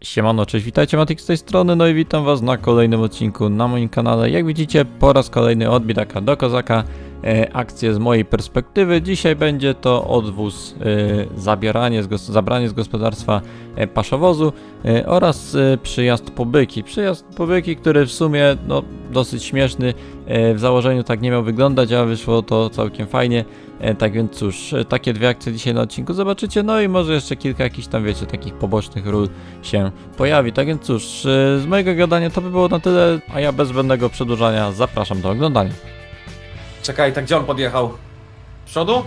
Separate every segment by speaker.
Speaker 1: Siemano, cześć, witajcie, Matik z tej strony, no i witam was na kolejnym odcinku na moim kanale. Jak widzicie, po raz kolejny od biedaka do kozaka, akcje z mojej perspektywy. Dzisiaj będzie to odwóz, zabranie z gospodarstwa paszowozu oraz przyjazd po byki. Przyjazd po byki, który w sumie no, dosyć śmieszny, w założeniu tak nie miał wyglądać, a wyszło to całkiem fajnie. Tak więc cóż, takie dwie akcje dzisiaj na odcinku zobaczycie, no i może jeszcze kilka jakichś tam, wiecie, takich pobocznych ról się pojawi. Tak więc cóż, z mojego gadania to by było na tyle, a ja bez zbędnego przedłużania zapraszam do oglądania.
Speaker 2: Czekaj, tak gdzie on podjechał? Z przodu?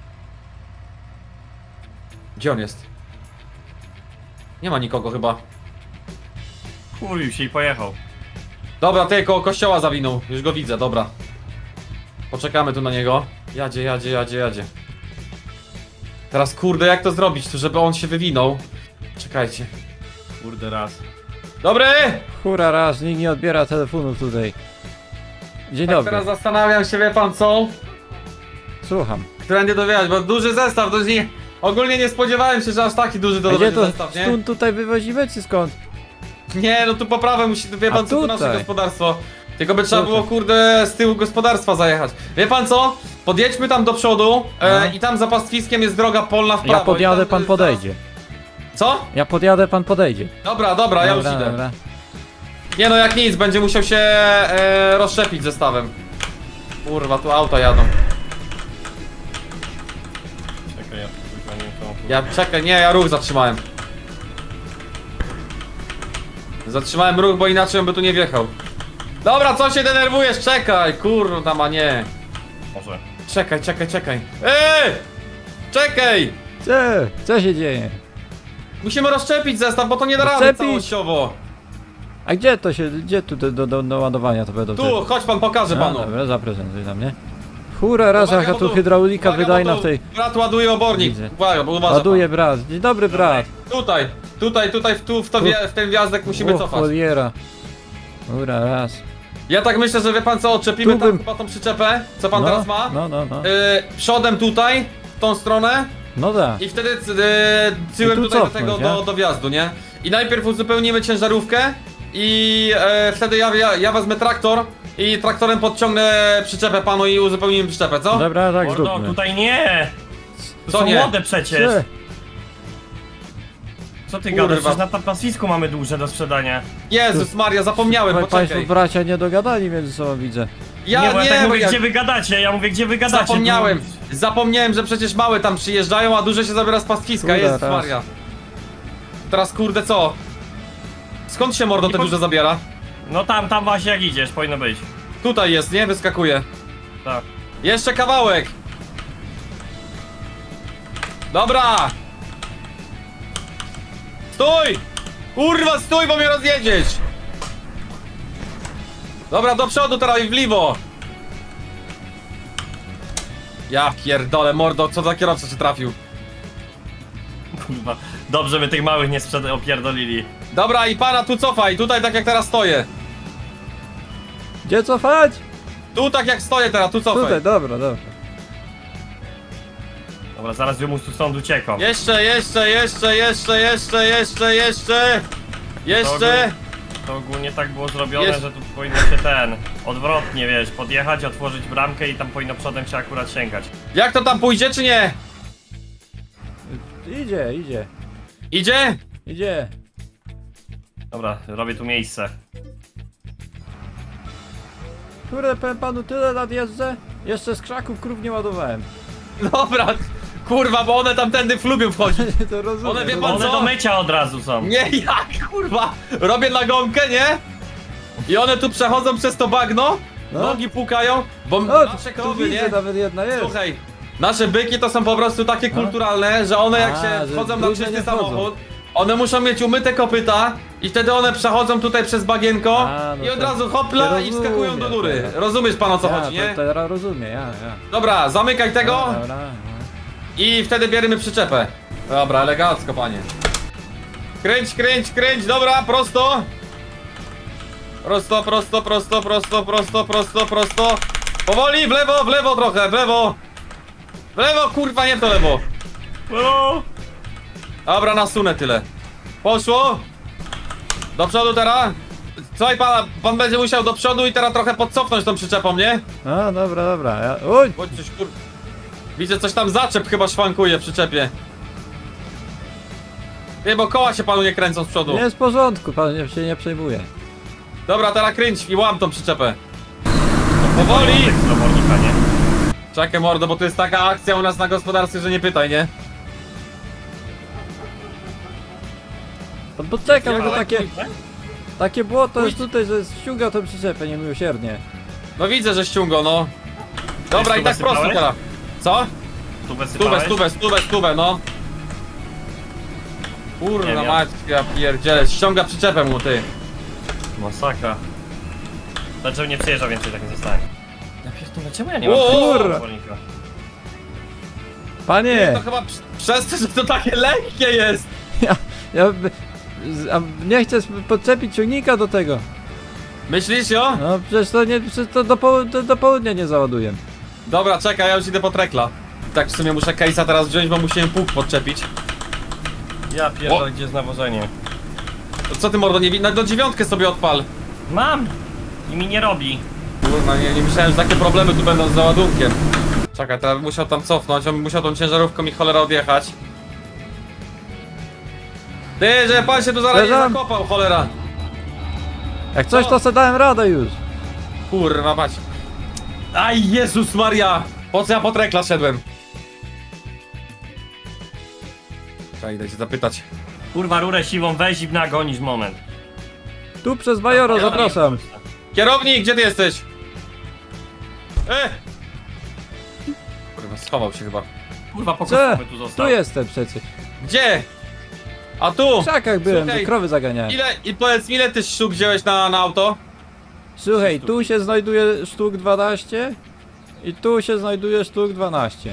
Speaker 2: Gdzie on jest? Nie ma nikogo chyba.
Speaker 3: Kurwił się i pojechał.
Speaker 2: Dobra, ty koło kościoła zawinął. Już go widzę, dobra. Poczekamy tu na niego. Jadzie. Teraz kurde, jak to zrobić tu, żeby on się wywinął? Czekajcie.
Speaker 3: Kurde raz.
Speaker 2: Dobry!
Speaker 1: Hura raz, nikt nie odbiera telefonów tutaj. Dzień
Speaker 2: Tak
Speaker 1: dobry,
Speaker 2: teraz zastanawiam się, wie pan co?
Speaker 1: słucham.
Speaker 2: Którędy dowiadać, bo duży zestaw, to nie... Ogólnie nie spodziewałem się, że aż taki duży to
Speaker 1: A gdzie
Speaker 2: będzie
Speaker 1: to
Speaker 2: zestaw, nie?
Speaker 1: stąd tutaj wywozimy, czy skąd?
Speaker 2: Nie, no tu poprawę musi, wie
Speaker 1: A
Speaker 2: pan co, tu nasze
Speaker 1: tutaj?
Speaker 2: gospodarstwo. Tylko by trzeba
Speaker 1: Tutaj.
Speaker 2: było, kurde, z tyłu gospodarstwa zajechać. Wie pan co? Podjedźmy tam do przodu
Speaker 1: No.
Speaker 2: i tam za pastwiskiem jest droga polna w prawo.
Speaker 1: Ja podjadę,
Speaker 2: i tam,
Speaker 1: pan podejdzie.
Speaker 2: Co?
Speaker 1: Ja podjadę, pan podejdzie.
Speaker 2: Dobra, ja już idę.
Speaker 1: Dobra.
Speaker 2: Nie no, jak nic, będzie musiał się rozszczepić zestawem. Kurwa, tu auta jadą.
Speaker 3: Czekaj, ja wyganię tą.
Speaker 2: Ja czekaj, nie, ja ruch zatrzymałem. Zatrzymałem ruch, bo inaczej on by tu nie wjechał. Dobra, co się denerwujesz? Czekaj, kurwa, ma nie.
Speaker 3: Może.
Speaker 2: Czekaj. Czekaj!
Speaker 1: Co się dzieje?
Speaker 2: Musimy rozszczepić zestaw, bo to nie da rady
Speaker 1: Rozszczepić?
Speaker 2: całościowo.
Speaker 1: A gdzie to się, gdzie tu do ładowania to będą?
Speaker 2: Tu, chodź pan, pokażę
Speaker 1: No,
Speaker 2: panu.
Speaker 1: dobra, zaprezentuj na mnie. Hura raz,
Speaker 2: Uwaga,
Speaker 1: jaka
Speaker 2: bo
Speaker 1: tu hydraulika
Speaker 2: uwaga,
Speaker 1: wydajna
Speaker 2: bo
Speaker 1: w tej...
Speaker 2: Brat ładuje obornik.
Speaker 1: Widzę.
Speaker 2: Uwaga, bo uważa
Speaker 1: Ładuje brat. Dzień dobry brat.
Speaker 2: pan. Tutaj, w ten wjazdek musimy
Speaker 1: O,
Speaker 2: cofać.
Speaker 1: choliera. Hura raz.
Speaker 2: Ja tak myślę, że wie pan co, odczepimy
Speaker 1: Tu
Speaker 2: tam
Speaker 1: bym-
Speaker 2: chyba tą przyczepę, co pan teraz ma.
Speaker 1: No.
Speaker 2: Przodem tutaj, w tą stronę
Speaker 1: No da.
Speaker 2: i wtedy tyłem
Speaker 1: I tu
Speaker 2: tutaj do
Speaker 1: cofnąć,
Speaker 2: tego,
Speaker 1: nie?
Speaker 2: do wjazdu, nie? I najpierw uzupełnimy ciężarówkę i wtedy ja wezmę traktor i traktorem podciągnę przyczepę panu i uzupełnimy przyczepę, co?
Speaker 1: Dobra, tak
Speaker 3: Mordo,
Speaker 1: zróbmy.
Speaker 3: tutaj nie! To
Speaker 2: Co
Speaker 3: są
Speaker 2: nie?
Speaker 3: młode przecież!
Speaker 1: Ty,
Speaker 3: Co ty
Speaker 2: Kurwa.
Speaker 3: gadasz? Przecież na pasisku mamy duże do sprzedania.
Speaker 2: Jezus Maria, zapomniałem,
Speaker 1: Państwo
Speaker 2: poczekaj.
Speaker 1: bracia nie dogadali między sobą, widzę.
Speaker 3: nie, bo ja tak
Speaker 2: bo
Speaker 3: mówię, gdzie wy gadacie? Ja mówię, gdzie wy gadacie?
Speaker 2: Zapomniałem, że przecież małe tam przyjeżdżają, a duże się zabiera z pastwiska,
Speaker 1: Kurde,
Speaker 2: Jezus
Speaker 1: raz.
Speaker 2: Maria. Teraz kurde co? Skąd się mordo te duże zabiera?
Speaker 3: No tam właśnie jak idziesz, powinno być.
Speaker 2: Tutaj jest, nie? Wyskakuje.
Speaker 3: Tak.
Speaker 2: Jeszcze kawałek. Dobra. Stój! Kurwa, stój, bo mnie rozjedziesz. Dobra, do przodu teraz i w lewo. Ja pierdolę, mordo, co za kierowca się trafił.
Speaker 3: Kurwa. Dobrze, by tych małych nie opierdolili.
Speaker 2: Dobra, i pana tu cofaj, tutaj tak jak teraz stoję.
Speaker 1: Gdzie cofać?
Speaker 2: Tu tak jak stoję teraz, tu cofaj.
Speaker 1: Tutaj, dobra.
Speaker 3: Dobra, zaraz wymus tu stąd uciekał.
Speaker 2: Jeszcze.
Speaker 3: To ogólnie tak było zrobione,
Speaker 2: Jest.
Speaker 3: że tu powinno się odwrotnie, wiesz, podjechać, otworzyć bramkę i tam powinno przodem się akurat sięgać.
Speaker 2: Jak to tam pójdzie, czy nie?
Speaker 1: Idzie.
Speaker 2: Idzie?
Speaker 3: Dobra, robię tu miejsce.
Speaker 1: Kurde, powiem panu, tyle lat jeżdżę, jeszcze z krzaków krów nie ładowałem.
Speaker 2: Dobra, kurwa, bo one tamtędy lubią wchodzić.
Speaker 1: To rozumiem.
Speaker 2: One, wie
Speaker 1: to
Speaker 2: pan
Speaker 3: One
Speaker 2: co?
Speaker 3: do mycia od razu są.
Speaker 2: Nie, jak, kurwa, robię nagonkę, nie? I one tu przechodzą przez to bagno,
Speaker 1: No.
Speaker 2: nogi pukają, bo
Speaker 1: O,
Speaker 2: nasze
Speaker 1: tu
Speaker 2: krowy,
Speaker 1: widzę,
Speaker 2: nie?
Speaker 1: nawet jedna jest.
Speaker 2: Słuchaj, nasze byki to są po prostu takie kulturalne, że one jak
Speaker 1: A,
Speaker 2: się
Speaker 1: że
Speaker 2: wchodzą na
Speaker 1: brudne
Speaker 2: czysty
Speaker 1: nie wchodzą.
Speaker 2: samochód, one muszą mieć umyte kopyta i wtedy one przechodzą tutaj przez bagienko
Speaker 1: A, no
Speaker 2: i od
Speaker 1: to
Speaker 2: razu hopla
Speaker 1: się
Speaker 2: i wskakują do
Speaker 1: rozumie
Speaker 2: góry.
Speaker 1: teraz.
Speaker 2: Rozumiesz pan o co
Speaker 1: Ja,
Speaker 2: chodzi, nie?
Speaker 1: to teraz rozumiem, ja.
Speaker 2: Dobra, zamykaj tego
Speaker 1: Dobra.
Speaker 2: i wtedy bierzemy przyczepę. Dobra, elegancko panie. Kręć, dobra, prosto. Prosto. Powoli, w lewo trochę, w lewo. W lewo, kurwa, nie w to lewo.
Speaker 3: O!
Speaker 2: Dobra, nasunę tyle. Poszło. Do przodu teraz. Słuchaj pana, pan będzie musiał do przodu i teraz trochę podcofnąć tą przyczepą, nie?
Speaker 1: No dobra, dobra. Uj!
Speaker 2: Bądź coś kur... Widzę, coś tam zaczep chyba szwankuje w przyczepie. Nie, bo koła się panu nie kręcą z przodu.
Speaker 1: Jest w porządku, pan się nie przejmuje.
Speaker 2: Dobra, teraz kręć i łam tą przyczepę. Powoli!
Speaker 3: Z obornika, nie?
Speaker 2: Czekaj mordo, bo to jest taka akcja u nas na gospodarstwie, że nie pytaj, nie?
Speaker 1: Pan poczeka, bo to
Speaker 2: Ale
Speaker 1: takie błoto jest tutaj, że ściąga tą przyczepę niemiłosiernie.
Speaker 2: No widzę, że ściągo, no. Dobra,
Speaker 3: Ty
Speaker 2: i tak
Speaker 3: stówę
Speaker 2: prosto
Speaker 3: sypałeś?
Speaker 2: teraz. Co?
Speaker 3: Tu
Speaker 2: Stówę, no.
Speaker 3: Nie
Speaker 2: Kurna
Speaker 3: wiem.
Speaker 2: mać, ja pierdzielę, ściąga przyczepę mu, ty.
Speaker 3: Masakra. Dlaczego nie przyjeżdża więcej, tak nie zostanie? Ja pierdolę, czemu ja nie mam
Speaker 2: O,
Speaker 3: tego
Speaker 1: kurwa.
Speaker 3: obornika?
Speaker 1: Panie!
Speaker 2: To chyba przez to, że to takie lekkie jest.
Speaker 1: A nie chcę podczepić ciągnika do tego.
Speaker 2: Myślisz, jo?
Speaker 1: No przecież to do południa nie załaduję.
Speaker 2: Dobra, czekaj, ja już idę po trekla. Tak w sumie muszę case'a teraz wziąć, bo musimy pług podczepić.
Speaker 3: Ja pierdolę, gdzie jest nawożenie?
Speaker 2: To co ty mordo, nie wi... No 9 sobie odpal.
Speaker 3: Mam! I mi nie robi.
Speaker 2: Kurna, nie myślałem, że takie problemy tu będą z załadunkiem. Czekaj, teraz bym musiał tam cofnąć, on by musiał tą ciężarówką mi cholera odjechać. Ty, że pan się tu zaraz nie
Speaker 1: Leżam.
Speaker 2: zakopał, cholera.
Speaker 1: Jak coś, to se dałem radę już.
Speaker 2: Kurwa mać. Aj, Jezus Maria! Po co ja po trekla szedłem? Czekaj, idę cię zapytać.
Speaker 3: Kurwa, rurę siwą weź i nagonisz moment.
Speaker 1: Tu przez Bajoro, zapraszam.
Speaker 2: Kierownik, gdzie ty jesteś? Kurwa, schował się chyba.
Speaker 3: Kurwa,
Speaker 1: Co?
Speaker 3: pokosowy tu został.
Speaker 1: Tu jestem przecież.
Speaker 2: Gdzie? A tu!
Speaker 1: W krzakach byłem,
Speaker 2: Słuchaj,
Speaker 1: że krowy zaganiałem.
Speaker 2: I powiedz mi, ile ty sztuk wziąłeś na auto?
Speaker 1: Słuchaj, tu się znajduje sztuk 12 i tu się znajduje sztuk 12.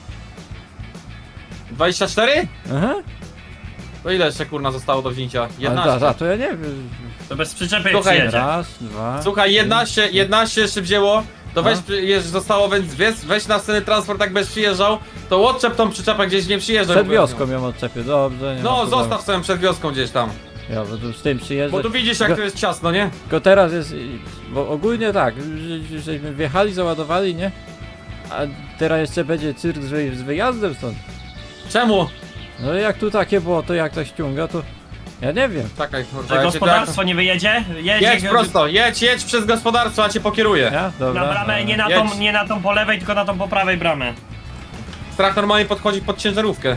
Speaker 2: 24?
Speaker 1: Aha.
Speaker 2: To ile jeszcze kurna zostało do wzięcia?
Speaker 1: Ale
Speaker 2: 11.
Speaker 1: to ja nie wiem.
Speaker 3: To bez przyczepy
Speaker 2: Słuchaj,
Speaker 3: przyjedzie.
Speaker 1: Raz, dwa.
Speaker 2: Słuchaj, 11 jeszcze wzięło. To weź, zostało, więc weź na sceny transport, jak będziesz przyjeżdżał, to odczep tą przyczepę gdzieś, nie przyjeżdżaj.
Speaker 1: Przed
Speaker 2: po prostu.
Speaker 1: wioską ją odczepię, dobrze. Nie ma
Speaker 2: No,
Speaker 1: problemu.
Speaker 2: zostaw sobie przed wioską gdzieś tam.
Speaker 1: Ja bo tu z tym przyjeżdżę.
Speaker 2: Bo tu widzisz, jak to jest ciasno, nie?
Speaker 1: Tylko teraz jest, bo ogólnie tak, żeśmy wjechali, załadowali, nie? A teraz jeszcze będzie cyrk z wyjazdem stąd.
Speaker 2: Czemu?
Speaker 1: No jak tu takie było, to jak to ściąga, to ja nie wiem.
Speaker 2: Czekaj, kurwa,
Speaker 3: Że
Speaker 2: ja cię
Speaker 3: gospodarstwo nie wyjedzie?
Speaker 2: Jedź prosto, jedź przez gospodarstwo, a cię pokieruję.
Speaker 1: Ja? Dobra.
Speaker 3: Na bramę, nie na,
Speaker 2: Jedź.
Speaker 3: tą, nie na tą po lewej, tylko na tą po prawej bramę.
Speaker 2: Strach normalnie podchodzi pod ciężarówkę.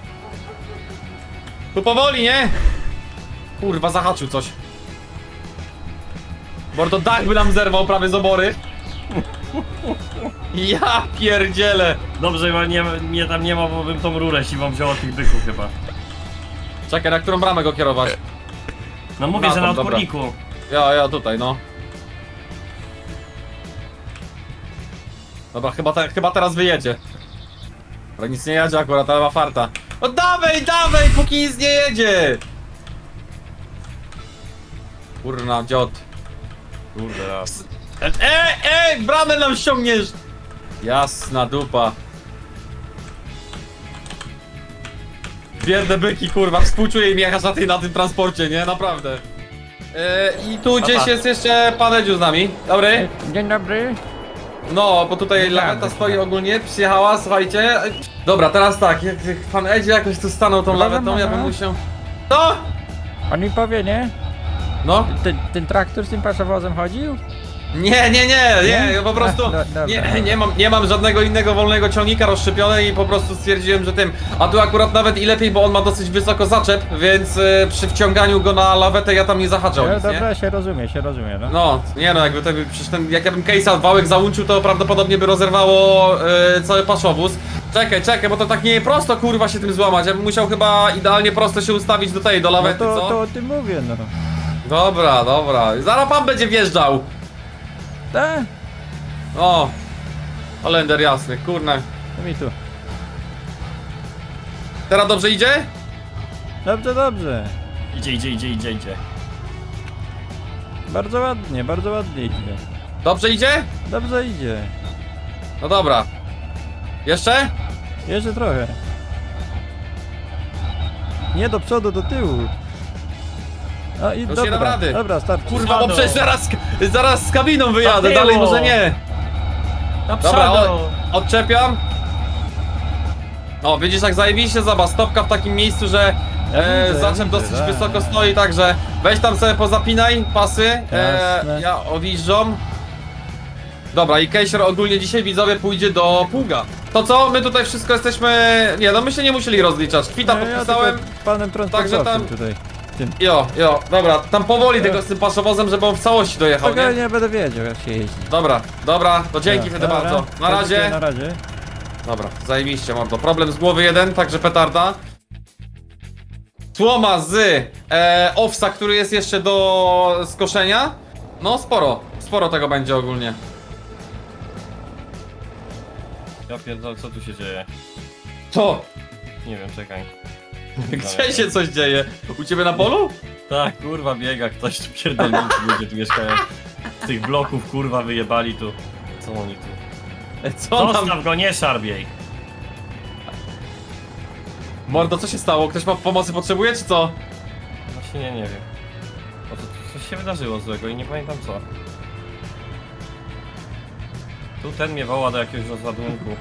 Speaker 2: Tu powoli, nie? Kurwa, zahaczył coś. Mordo, dach by nam zerwał prawie z obory. Ja pierdzielę.
Speaker 3: Dobrze, bo mnie tam nie ma, bo bym tą rurę siwą wziął od tych byków chyba.
Speaker 2: Czekaj, na którą bramę go kierować?
Speaker 3: No mówię,
Speaker 2: Na
Speaker 3: że
Speaker 2: tą,
Speaker 3: na
Speaker 2: dobra.
Speaker 3: odporniku.
Speaker 2: Ja tutaj, no. Dobra, chyba teraz wyjedzie. Ale nic nie jedzie akurat, ale ma farta. No dawaj, póki nic nie jedzie! Kurna, dziot.
Speaker 3: Kurde raz.
Speaker 2: Bramę nam ściągniesz! Jasna dupa. Biedne byki, kurwa, współczuję im jechać na tym transporcie, nie? Naprawdę. I tu gdzieś jest jeszcze pan Edziu z nami. Dobry.
Speaker 1: Dzień dobry.
Speaker 2: No, bo tutaj laweta stoi ogólnie, przyjechała, słuchajcie. Dobra, teraz tak, jak pan Edziu jakoś tu stanął tą lawetą, ja bym musiał... No!
Speaker 1: On mi powie, nie?
Speaker 2: No?
Speaker 1: Ten traktor z tym paszowozem chodził?
Speaker 2: Nie, po prostu
Speaker 1: dobra.
Speaker 2: nie mam żadnego innego wolnego ciągnika rozszczepione i po prostu stwierdziłem, że tym. A tu akurat nawet i lepiej, bo on ma dosyć wysoko zaczep, więc przy wciąganiu go na lawetę ja tam nie zahaczał nic, nie?
Speaker 1: Dobra, się rozumie, no.
Speaker 2: No, nie no, jakby to, przecież jak ja bym case'a wałek załączył, to prawdopodobnie by rozerwało cały paszowóz. Czekaj, bo to tak nie prosto kurwa się tym złamać, ja bym musiał chyba idealnie prosto się ustawić do tej, do
Speaker 1: No
Speaker 2: lawety, co?
Speaker 1: to o tym mówię, no.
Speaker 2: Dobra, zaraz pan będzie wjeżdżał.
Speaker 1: Tak?
Speaker 2: O, Holender jasny, kurna.
Speaker 1: To mi tu.
Speaker 2: Teraz dobrze idzie?
Speaker 1: Dobrze.
Speaker 3: Idzie.
Speaker 1: Bardzo ładnie idzie.
Speaker 2: Dobrze idzie?
Speaker 1: Dobrze idzie.
Speaker 2: No dobra. Jeszcze?
Speaker 1: Jeszcze trochę. Nie do przodu, do tyłu. A, i
Speaker 2: Już nie dam rady.
Speaker 1: Dobra, start.
Speaker 2: Kurwa, bo
Speaker 3: Halo.
Speaker 2: przecież zaraz z kabiną wyjadę,
Speaker 3: było.
Speaker 2: dalej może nie.
Speaker 3: Na
Speaker 2: Dobra,
Speaker 3: przodu!
Speaker 2: odczepiam. O, widzisz jak zajebiście, zobacz, stopka w takim miejscu, że
Speaker 1: widzę,
Speaker 2: zaczep
Speaker 1: widzę,
Speaker 2: dosyć
Speaker 1: tak.
Speaker 2: wysoko stoi, także weź tam sobie pozapinaj pasy,
Speaker 1: Jasne.
Speaker 2: ja odjeżdżam. Dobra, i Kejsier ogólnie dzisiaj widzowie pójdzie do pługa. To co? My tutaj wszystko jesteśmy... Nie, no my się nie musieli rozliczać. Kwita
Speaker 1: No, ja
Speaker 2: podpisałem.
Speaker 1: tylko panem transportowcem
Speaker 2: tam-
Speaker 1: tutaj. Tym.
Speaker 2: Jo, dobra, tam powoli tego z tym paszowozem, żeby on w całości dojechał, nie?
Speaker 1: Spokojnie, nie będę wiedział jak się jeździ.
Speaker 2: Dobra, to dzięki wtedy
Speaker 1: Dobra,
Speaker 2: bardzo. Na razie.
Speaker 1: Na razie.
Speaker 2: Dobra, zajebiście mordo. Problem z głowy jeden, także petarda. Słoma z owsa, który jest jeszcze do skoszenia. No sporo tego będzie ogólnie.
Speaker 3: Ja pierdolę, co tu się dzieje?
Speaker 2: Co?
Speaker 3: Nie wiem, czekaj.
Speaker 2: Gdzie się coś dzieje? U ciebie na polu?
Speaker 3: Tak, kurwa biega ktoś tu pierdolnicy ludzie tu mieszkają. Z tych bloków kurwa wyjebali tu. Co oni tu?
Speaker 2: Co tam?
Speaker 3: Zostaw go, nie szarbiej.
Speaker 2: Mordo, co się stało? Ktoś ma pomocy potrzebuje, czy co?
Speaker 3: Właśnie nie wiem. O, to coś się wydarzyło złego i nie pamiętam co. Tu ten mnie woła do jakiegoś rozładunku.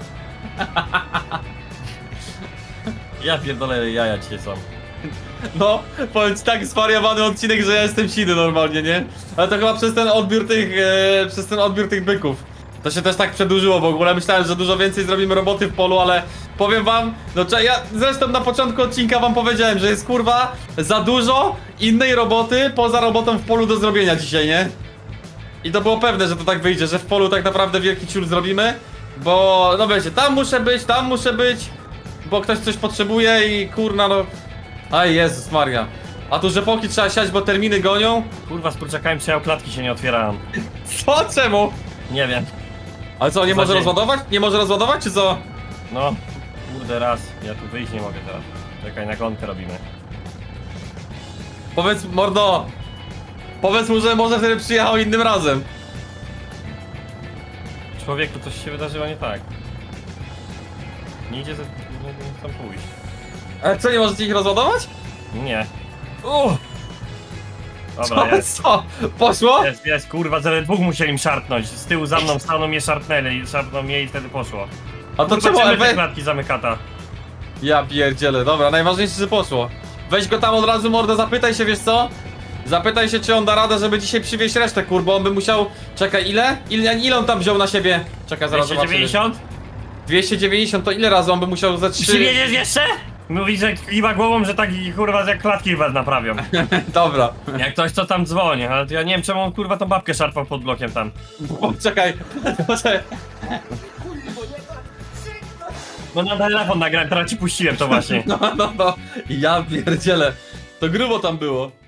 Speaker 3: Ja pierdolę, jaja dzisiaj są.
Speaker 2: No, powiem ci tak zwariowany odcinek, że ja jestem siny normalnie, nie? Ale to chyba przez ten odbiór tych byków. To się też tak przedłużyło w ogóle. Myślałem, że dużo więcej zrobimy roboty w polu, ale powiem wam, no ja zresztą na początku odcinka wam powiedziałem, że jest kurwa za dużo innej roboty poza robotą w polu do zrobienia dzisiaj, nie? I to było pewne, że to tak wyjdzie, że w polu tak naprawdę wielki ciul zrobimy. Bo, no wiecie, tam muszę być, bo ktoś coś potrzebuje i kurna no... Aj, Jezus Maria. A tu rzepoki trzeba siać, bo terminy gonią?
Speaker 3: Kurwa, z kurczakami przejął, klatki się nie otwierają.
Speaker 2: Co? Czemu?
Speaker 3: Nie wiem.
Speaker 2: Ale co, nie
Speaker 3: Za
Speaker 2: może
Speaker 3: dzień.
Speaker 2: rozładować? Nie może rozładować, czy co?
Speaker 3: No, kurde raz. Ja tu wyjść nie mogę teraz. Czekaj, na gonkę robimy.
Speaker 2: Powiedz, mordo. Powiedz mu, że może wtedy przyjechał innym razem.
Speaker 3: Człowieku, coś się wydarzyło nie tak. Nie idzie ze... nie chcę pójść.
Speaker 2: Ale co, nie możecie ich rozładować?
Speaker 3: Nie.
Speaker 2: Co?
Speaker 3: Dobra, jest.
Speaker 2: Co? Poszło?
Speaker 3: Jest, kurwa, ze dwóch musieli im szarpnąć. Z tyłu za mną staną, mnie szarpnęli, szarpną mnie i wtedy poszło.
Speaker 2: A to
Speaker 3: Kurwa,
Speaker 2: czemu?
Speaker 3: czemu
Speaker 2: Ale
Speaker 3: te klatki zamykata?
Speaker 2: Ja pierdzielę, dobra, najważniejsze, że poszło. Weź go tam od razu, mordo, zapytaj się, wiesz co? Zapytaj się, czy on da radę, żeby dzisiaj przywieźć resztę, kurbo, on by musiał... Czekaj, ile? Ile on tam wziął na siebie? Czekaj, zaraz zobaczymy.
Speaker 3: 290?
Speaker 2: 290, to ile razy on by musiał ze 3...
Speaker 3: Przywieziesz jeszcze? Mówi, że kiwa głową, że tak kurwa jak klatki was naprawią.
Speaker 2: Dobra.
Speaker 3: Jak ktoś co tam dzwoni, ale to ja nie wiem czemu on kurwa tą babkę szarpał pod blokiem tam.
Speaker 2: Czekaj.
Speaker 3: No na telefon nagrałem, teraz ci puściłem to właśnie.
Speaker 2: No. Ja pierdzielę. To grubo tam było.